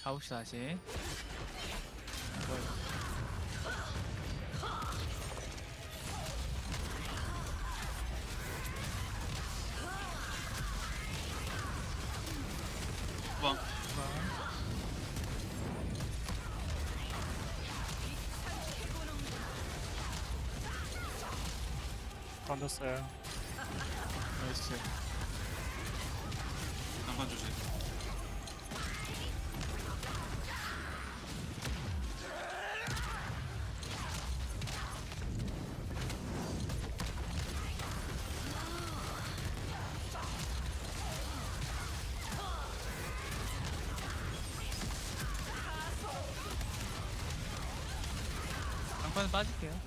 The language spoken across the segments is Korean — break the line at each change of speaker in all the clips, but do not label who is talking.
가봅시다 다시. 뭐야?
후방.
던졌어요.
나이스.
난간 조심.
장판은 빠질게요.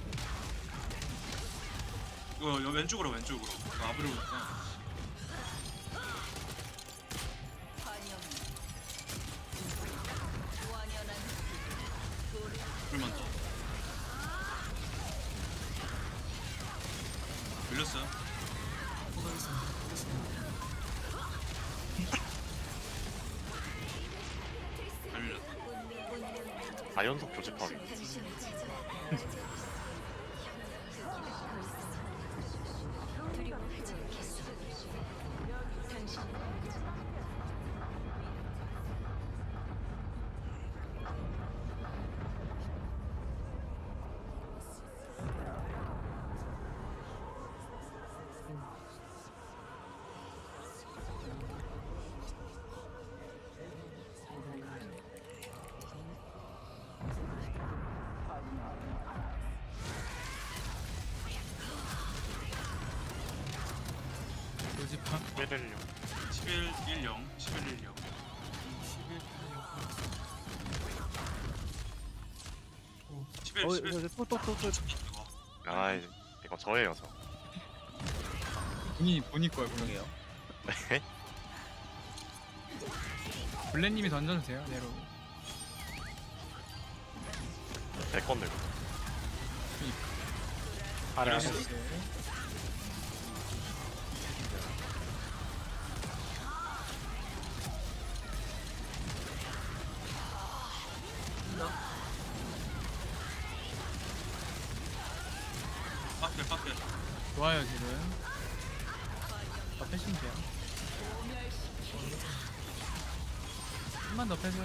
이거 왼쪽으로 왼쪽으로. 이거 앞으로 오니까. 불만 더. 밀렸어요. 잘 밀렸다.
4연속 교집합.
요지파.
116.
11-10 11-10 11 11
또.
아, 이거 저예요, 저.
본인이 거야 분명해요.
네?
블랙님이 던져주세요 내로.
제 건들.
아래
그래서- 빡대
좋아요 지금. 더 패시면 돼요. 좀만 더 패세요.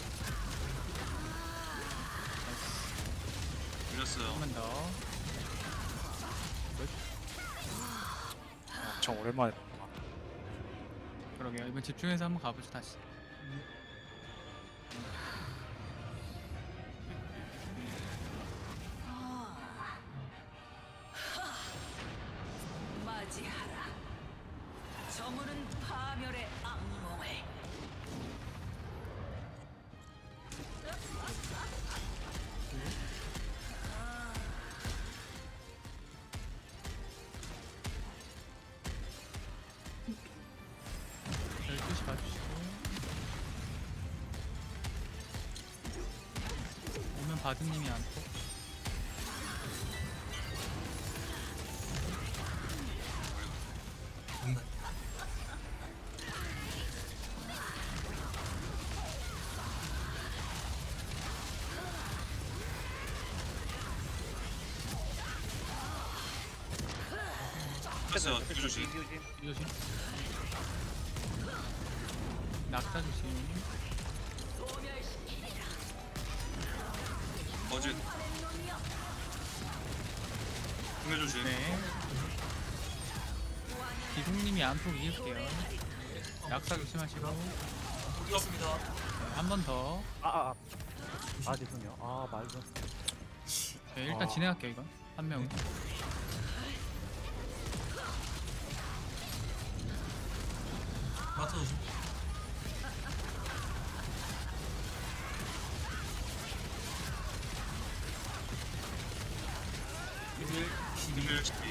밀렸어요.
좀만 더.
엄청 오랜만에
그러게요. 이번 집중해서 한번 가보죠 다시.
맞이하라. 저물은 파멸의 악몽을.
열 12시 봐주시고. 오면 바드님이 안고.
됐어요. 뒤 조심.
이 조심. 낙사 조심.
어제 공개 조심.
네. 기둥님이 안폭 이길게요. 낙사 조심하시고.
이겼습니다.
한 번 더.
죄송해요. 말도.
네, 일단 진행할게요 이건. 한 명은.
맞춰 조심. 비밀 12.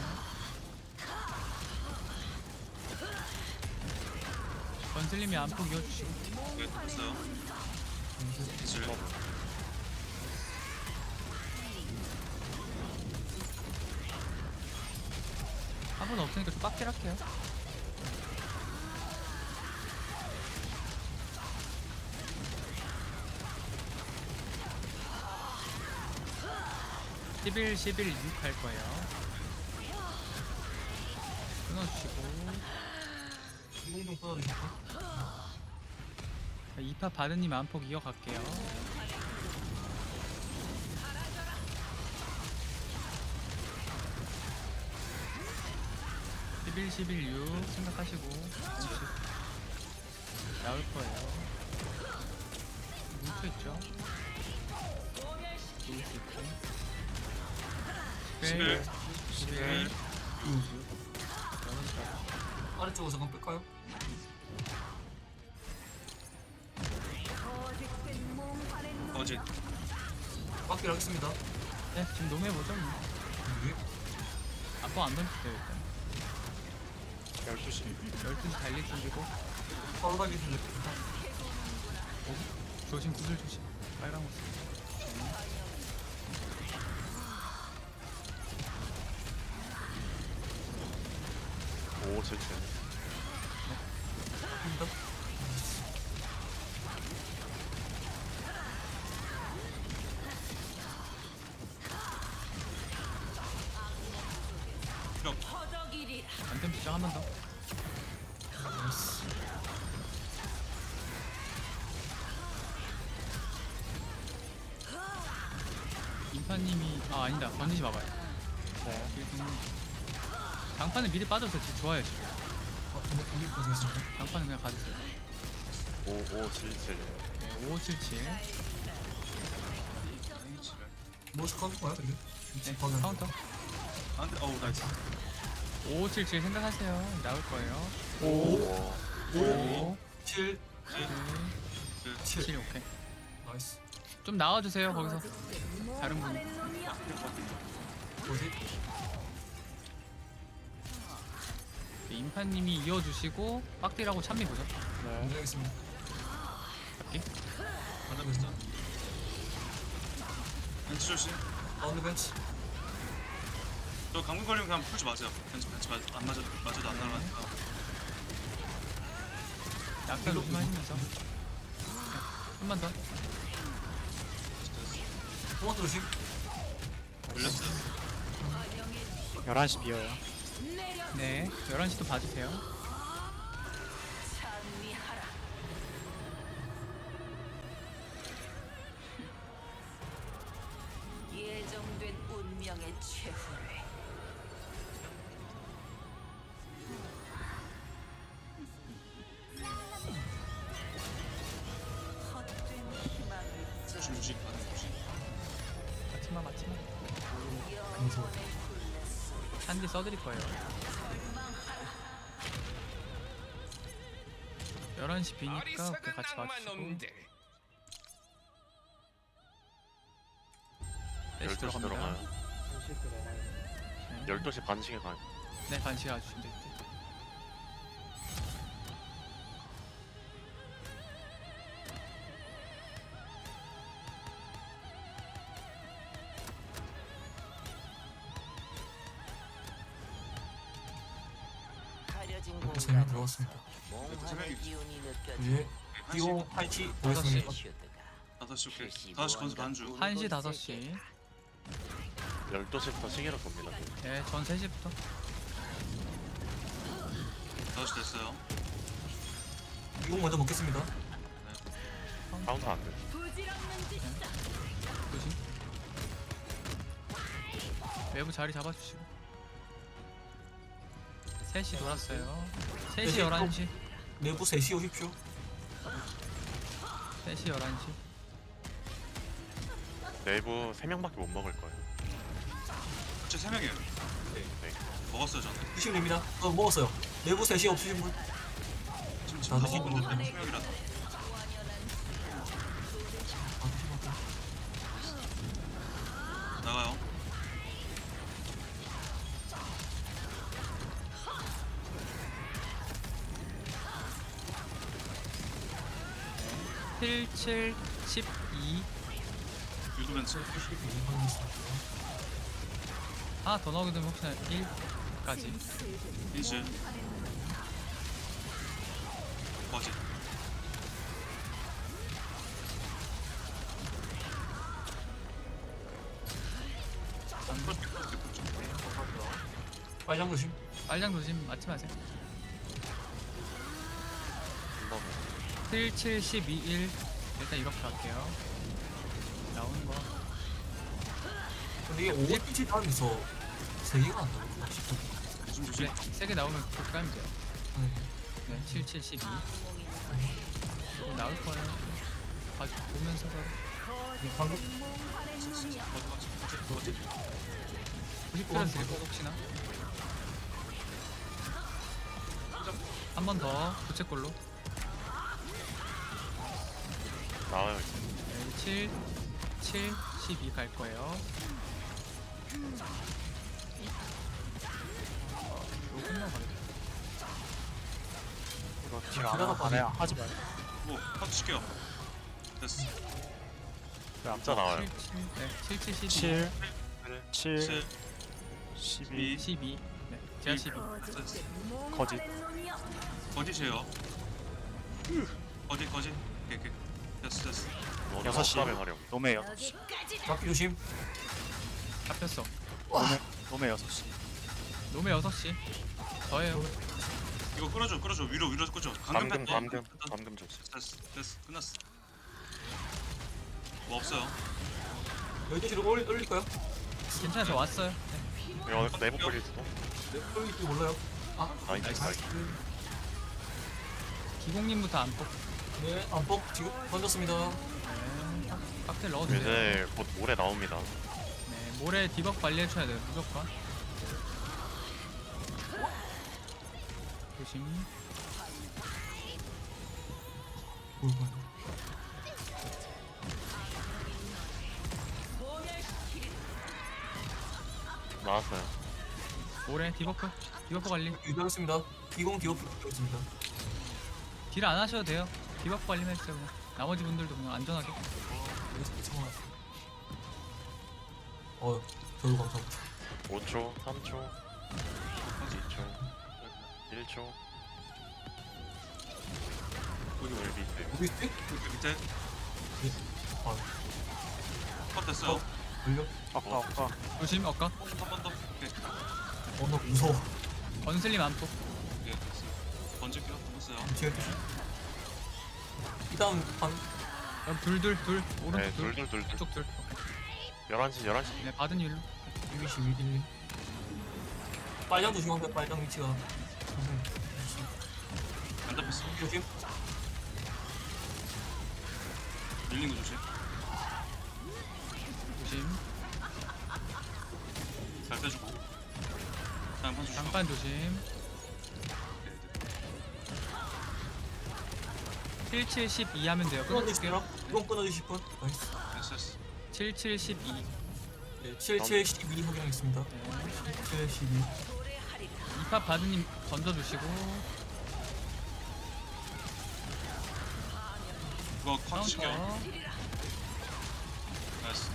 건슬님이 안폭 이어주시고.
네, 됐어요. 기술.
한분 없으니까 좀 빡질할게요. 11, 11, 6 할 거예요. 끊어주시고.
이공동 끊어주실까?
2파 바드님 안폭 이어갈게요. (11, 11, 6) 생각하시고 잠시 나올 거예요. 뭉쳐있죠? 누울 수 있고
11,
11,
11,
아래쪽으로 잠깐 뺄까요?
어제
빡기를 하겠습니다.
네, 지금 농해보죠.
네.
안폭 안 던질게요 일단
12시
12시 달릴 준비고
바로 달리면 됩니다.
조심 구슬 조심 빨간 구슬
오 7층
됩니다.
허덕이리라.
안템 시작 한 번 더. 인파님이 아니다 던지지 마봐요.
네.
지금 장판은 미리 빠져서 지금 좋아요 지금.
이길 거 되겠습니다.
장판은 그냥 가주세요.
5577
네, 5577.
뭐스 카운터 거야, 근데?
네,
방향.
카운터.
안돼. 어우 나이스.
5577 생각하세요. 나올 거예요.
오
5,
7, 7.
7 오케이.
나이스.
좀 나와주세요 거기서. 다른 분.
뭐지?
인파님이 이어주시고 빡딜하고 찬미 보죠.
네.
안녕하겠습니다.
잡기.
맞아봤어. 벤치 조심.
가운데 벤치.
저 감금 걸리면 그냥 풀지 마세요. 벤치 안 맞아도 안 날아가니까.
약간 조심하시면서. 한 번 더.
토마토 조심.
걸렸어요.
11시 비어요.
네, 11시도 봐주세요.
찬미하라. 예정된 운명의 최후를. 헛된 희망을
조심 조심. 조심.
맞지마, 맞지마.
영원의 굴레
한디 써드릴 거예요. 11시 비니까 오케이, 같이 봐주시고. 4시
12시
들어갑니다.
들어가요
네.
12시 반씩에 가요
네, 반시 가주시면 될 듯.
가려진
이렇게 3명
공간.
들어갔습니다.
몽환의 기운이 느껴져.
예. 띠오 파이치 보겠습니다.
5시 오케이. 5시 건수 반주.
1시, 5시.
12시부터 시계로 봅니다
네, 전 3시부터.
5시 됐어요.
이공 먼저 먹겠습니다.
카운터 안돼
조심. 외부 자리 잡아주시고. 3시 돌았어요. 3시, 11시.
내부 3시 오십시오.
3시, 11시.
내부 3명밖에 못 먹을 거예요
제 3명이에요.
네
먹었어요 저는.
드시면 됩니다. 먹었어요. 내부 3시 없으신 분?
지금
나도
먹은
먹었네.
건데 3명이라서.
아, 드시면
나가요.
칠, 7, 12.
유도 벤치.
하나 더 나오게 되면 혹시나 1까지.
인실. 거짓.
빨장 조심.
빨장 조심 맞지 마세요.
한번
7, 7, 12, 1 일단 이렇게 갈게요. 나오는 거
근데 이게 5피 다음에서 3개가 안 나오구나.
조심 조심.
그래 3개 나오면 그렇게 가면 돼요.
네.
네, 7, 7, 12 나올 거예요. 보면서
이게 방금
90%는 될거 혹시나 한 번 더 부채꼴로
나와요.
네, 7, 7, 12 갈 거예요. 이거 끝나고 가겠다.
이거 딜
기다려
안
봐요.
해요. 하지 마요.
뭐 카드 칠게요. 됐어.
진짜 나와요.
7, 7, 네, 7, 7, 12
7,
그래.
7,
7,
12,
12 네, 제가 12
됐어.
거짓.
거짓이에요. 거짓. 오케이. 됐어.
여섯 시.
에 활용.
노메 6시.
막기 조심.
잡혔어.
노메 6시.
놈의 6시 저예요.
이거 끌어줘. 위로 끌어줘.
감금
뺐다.
감금 좀.
됐어. 끝났어. 뭐 없어요.
12시로 올릴까요?
괜찮아 저 왔어요. 네.
이거 내부 끓일 수도.
네, 올릴지 몰라요. 아,
나이스.
기공님부터 안 뽑.
네, 안폭 지금 던졌습니다.
네. 칵테일 넣어주세요.
이제 곧 모레 나옵니다.
네, 모레 디벅 관리해줘야 돼요 무조건. 조심.
뭘까요?
나왔어요.
모레 디버프 관리.
유도하겠습니다. 비공 디오프 있습니다.
딜 안 하셔도 돼요. 디버프 관리만 해주세요 그냥. 나머지 분들도 그냥 안전하게.
저도 감사합니다.
5초, 3초, 2초, 1초.
여기
물 밑에.
어디 있지?
여기 밑에
아,
컷 됐어요.
걸려?
아까.
조심 엇가.
한 번 더. 오케이.
나 무서워.
건슬림 안 뽑.
오케이 됐어. 던질게요. 됐어요.
지금 이 다음 반
그럼 둘 오른쪽
네,
둘
둘.
왼쪽 둘.
11시.
네 받은 일로.
121. 빨장 조심하세요. 빨장 위치가.
안 잡혔어.
조심.
밀린 거 조심.
조심.
잘 빼주고. 다음 판 조심.
장판 조심. 7, 7, 12 하면 돼요. 끊어줄게요.
끊어주세요. 이건 끊어주실 분. 나이스.
됐어.
7, 7, 12.
네, 7, 7, 12 확인하겠습니다.
네.
7, 12.
이팝 바드님 던져주시고.
이거 컷 칠게요.
카운터.
나이스.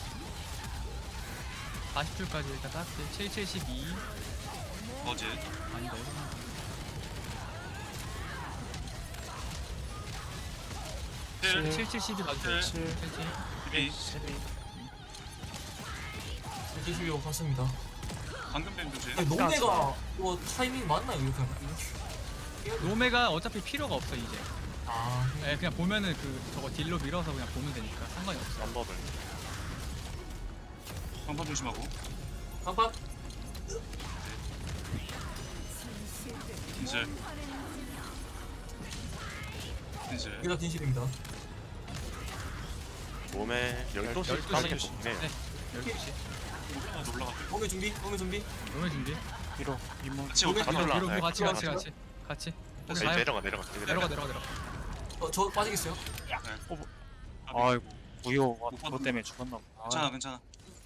40줄까지 일단 땄어요. 7, 7, 12.
거짓.
아니다 이거.
7,
7, 7, 12 봐주세요.
7,
7, 7.
12.
12.
7, 12로 갔습니다.
방금 뱀 조심.
아니, 노네가 뭐 타이밍 맞나요? 이렇게 하면?
노메가 어차피 필요가 없어 이제.
아,
네, 그냥 보면은 저거 딜로 밀어서 그냥 보면 되니까 상관이 없어.
3법을.
방판 조심하고.
깜빡.
이제
여기가 진실입니다.
몸에 12시.
12시.
네.
네. 12시.
올라갈게요.
공개 준비.
노메 준비.
위로. 윗몸.
같이
오케이.
올라가.
올라.
뒤로
네,
같이
같이
같이.
이제
가요.
내려가.
내려가.
저 빠지겠어요?
아이고. 무효가 그것 때문에 죽었나 보다.
괜찮아.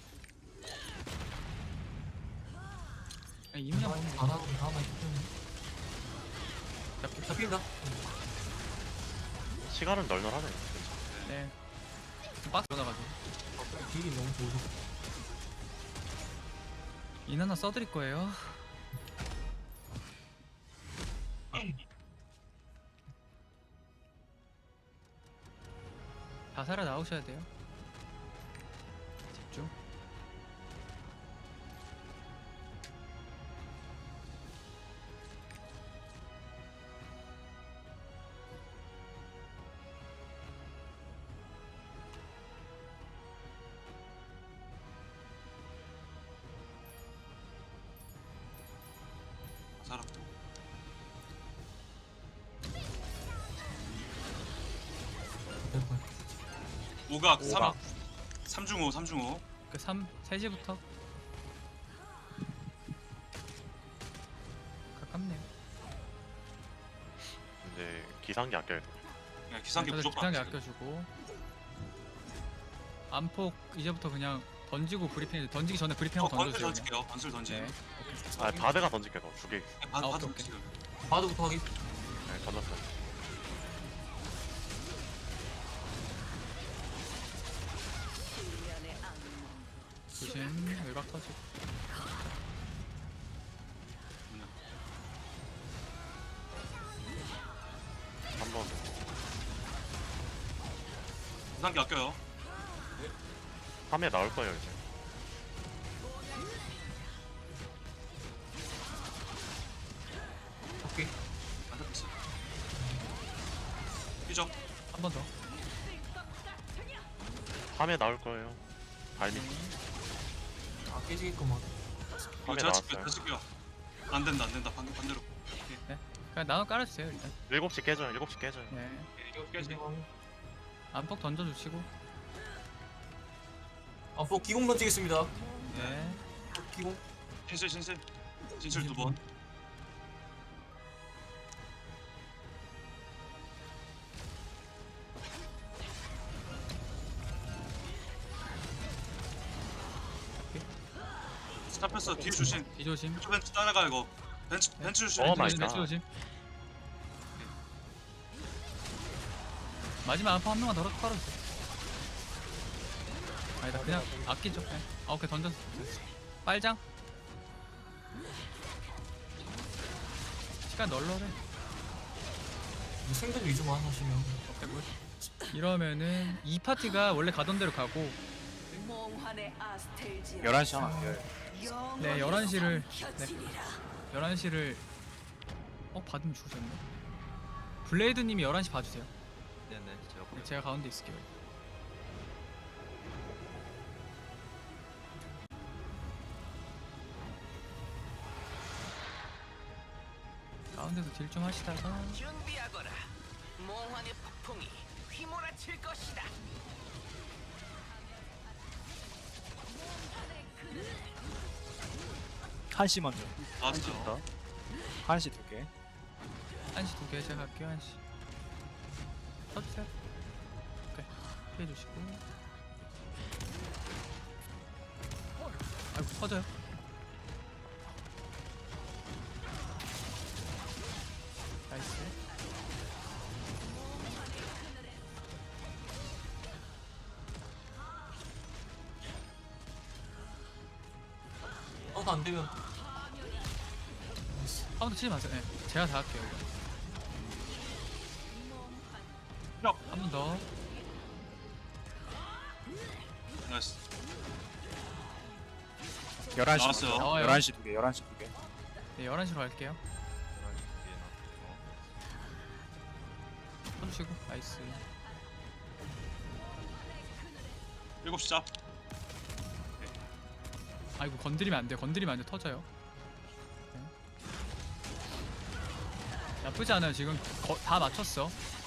이민영 보면
안 하고 다음에
잡히.
잡힌다.
시간은 널널하네.
네. 박스 들어가가지고.
딜이 너무 좋아서.
인 하나 써드릴 거예요. 다 살아 나오셔야 돼요. 집중.
오각
오각.
3중호 3중호.
그 3시부터 가깝네요.
이제 기상기 아껴야 돼.
야, 기상기 무조건.
기상기
안 돼.
아껴주고 안폭 이제부터 그냥 던지고 브리핑 던지기 전에 브리핑하고
건슬
던져주세요. 그냥.
던질게요. 건슬 던지.
네.
아 바드가 던질게 너. 두 개.
바드
오케이,
바드
오케이.
지금.
바드부터 하기.
네, 던졌어.
일련의 악몽.
조심 외곽 터지고.
한 번.
기상기 아껴요.
3에 나올 거예요 이제.
오케이.
안 잡혔어. 뛰죠.
한 번 더.
3에 나올 거예요. 발밑.
아 깨지겠구만.
이거
3에
제가 찍게요.
나왔어요.
제가 찍게요. 안 된다 안 된다. 방금 반대로.
그냥 나눠 깔아주세요 일단.
7시 깨져요. 7시 깨져요.
네.
이거 깨지.
안폭 던져주시고.
아포 기공 던지겠습니다.
네.
기공.
진실 두 번. 잡혔어. 뒤에 조심.
뒤조심.
벤츠 따라가 이거. 벤츠 조심.
어, 마이
벤치
갓.
조심. 마지막 안폭 한 명만 더 깔아주세요. 아니다 그냥 아끼죠. 네. 아 오케이 던졌어. 빨장. 시간 널널해.
생존 위주만 하시면.
오케이 굿. 이러면은 이 파티가 원래 가던 대로 가고
몽환의 아스텔지어.
11시 하나 비어요.
네 11시를 11시를 받으면 죽으셨네. 블레이드님이 11시 봐주세요.
네네 제가
제가 가운데 있을게요. 가운데서 딜 좀 하시다가
준비하거라. 몽환의 폭풍이 휘몰아칠 것이다.
한시 먼저.
나왔어.
한시 2개.
1시 2개 제가 갈게요. 1시 터주세요. 오케이 피해주시고. 아이고 터져요. 나이스.
안 되면
카운터 치지 마세요. 네, 제가 다 할게요.
역.
한 번 더.
나이스.
11시
나왔어요.
먼저.
나와요.
11시 2개. 11시 2개.
네, 11시로 갈게요. 쳐주시고, 나이스.
7시 잡.
아이고, 건드리면 안 돼. 건드리면 안 돼. 터져요. 네. 나쁘지 않아요. 지금 다 맞췄어.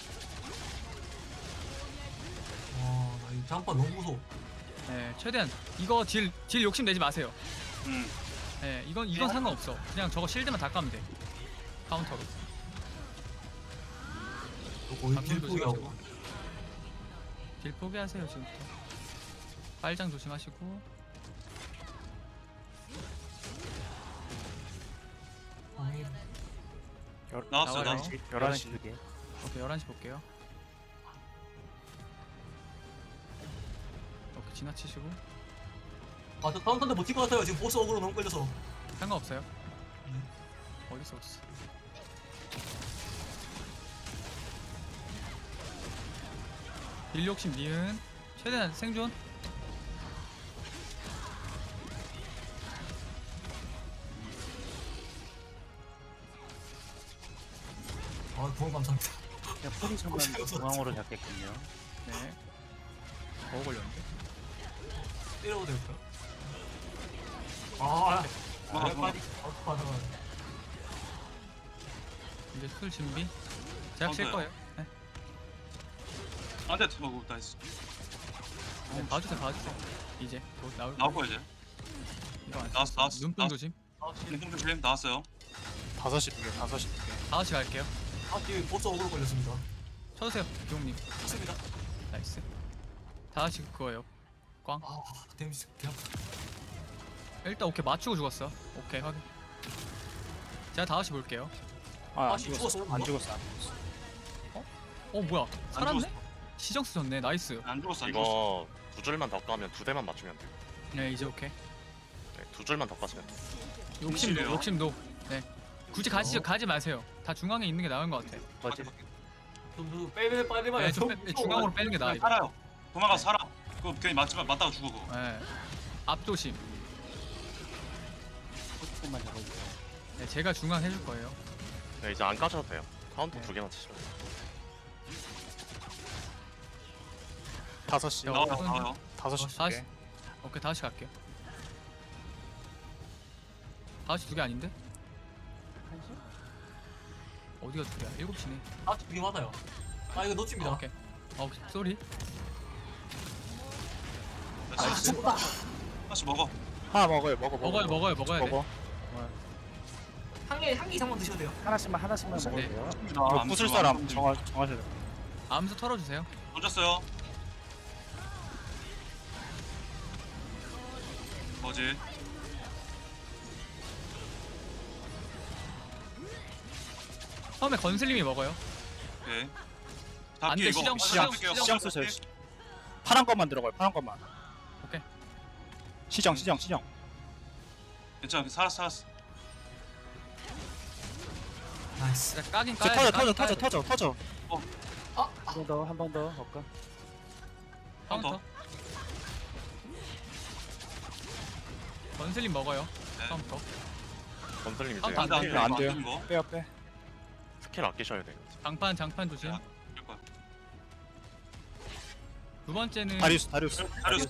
와나 이 장판 너무 무서워.
네, 최대한 이거 딜 욕심 내지 마세요.
음.
네, 이건 상관없어. 그냥 저거 실드만 다 까면 돼. 카운터로.
거의
방금
길포기하고.
조심하시고. 딜 포기하세요 지금부터. 빨장 조심하시고.
나왔어요.
나와요.
나왔어.
11시 2개.
오케이 11시 볼게요. 오케이 지나치시고.
아저 다음 턴에 버틸 것 같아요. 지금 보스 어그로 너무 걸려서.
상관없어요. 어딨어 어딨어. 딜 욕심 니은 최대한 생존.
아 고마워 감사합니다.
포지션만
없어.
중앙으로 잡겠군요.
네. 더 걸렸는데.
때려도 될까요? 아
맞아.
빨리 맞아.
이제 술 준비. 제가 칠
카운터요?
거예요. 네.
안돼. 나이스.
봐주세요 봐주세요. 이제 곧 나올
나올 거야 이제.
이거 안
나왔어, 나왔어,
눈뽕
나왔어.
조심.
눈뽕 조심 나왔어요.
5시 2개 5시 2개.
5시 갈게요.
뒤에 보스 어그로 걸렸습니다.
쳐주세요 기용님.
좋습니다.
나이스. 5시 그거예요. 꽝.
아 데미지 개 아파.
일단 오케이 맞추고 죽었어. 오케이 확인. 제가 5시 볼게요.
안
씨,
죽었어.
죽었어,
안
뭐?
죽었어.
뭐야 살았네?
죽었어.
시정 쓰셨네. 나이스.
안 죽었어 안 죽었어.
이거 두 줄만 더 까면 두 대만 맞추면 돼요.
네 이제 오케이.
네, 두 줄만 더 까시면 돼요.
욕심도
진실이에요?
욕심도. 네. 굳이 가지 마세요. 다 중앙에 있는 게 나은 것 같아.
뭐지?
좀 빼 빨리 봐요.
네, 좀 중앙으로 빼는 게 나아.
그냥
이거.
살아요. 도망가 살아. 그거 괜히 맞다가 죽어 그거.
네. 앞조심.
포지션만 잡아주세요.
네, 제가 중앙 해줄 거예요.
네, 이제 안 까셔도 돼요. 카운터
네.
두 개만 치시면 돼요.
5시.
나와요
어떤-
나와요.
5시
5시.
2개.
오케이 5시 갈게요. 5시 2개 아닌데? 어디가 2개야? 7시네.
되게 많아요. 이거 놓칩니다.
오케이. 쏘리.
다시 다시 먹어.
하나 먹어요.
먹어야 돼.
먹어.
한 개 이상만 드셔도 돼요.
하나씩만 먹어도
네.
돼요.
이거 부술 사람 정하셔야 돼요.
암수 털어주세요.
던졌어요. 뭐지?
처음에 건슬님이 먹어요.
오케이.
안 돼, 시정,
시정 쓰세요. 파란 것만 들어가요. 파란 것만.
오케이.
시정.
괜찮아 살았어.
나이스.
자, 까긴
저
까야 돼.
터져.
한 번 더 볼까?
카운터. 건슬님 먹어요.
네.
카운터.
건설님 이제
카운터 안 돼,
스킬,
안 돼요.
거.
빼.
스킬 아끼셔야 돼요.
장판 조심.
야. 될 거야.
두 번째는
다리우스.
다리우스.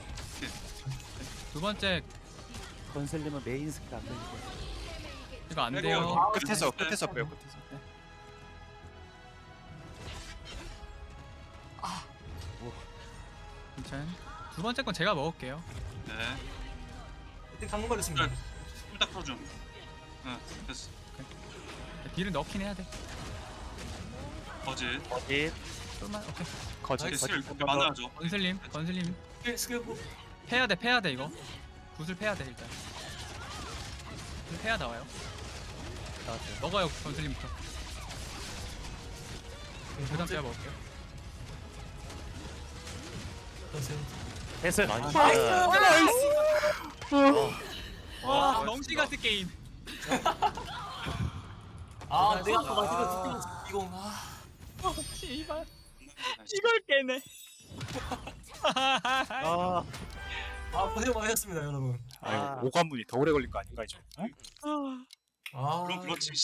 두 번째
건슬님은 메인 스킬 안 되는데.
이거 안
때려요.
돼요.
끝에서 빼요. 끝에서.
괜찮. 두 번째 건 제가 먹을게요.
네.
이때 강물 걸렸습니다.
딱 풀어줘. 응 됐어.
딜을 넣긴 해야 돼.
거짓.
어디?
쏠만. 오케이.
거짓.
스킬 그렇게 많아야죠.
건슬님
스킬
패야 돼 이거. 굿을 패야 돼 일단. 굿을 패야 나와요.
나왔어요.
먹어요 건슬님부터. 그다음 제가 먹을게요.
됐어요.
나이스.
와 정시 같은 게임.
내가 아까 말했던 이거
씨발. 이걸 깨네.
고생 많으셨습니다 여러분.
오관문이 더 오래 걸릴 거 아닌가 이제.
그럼 그렇지.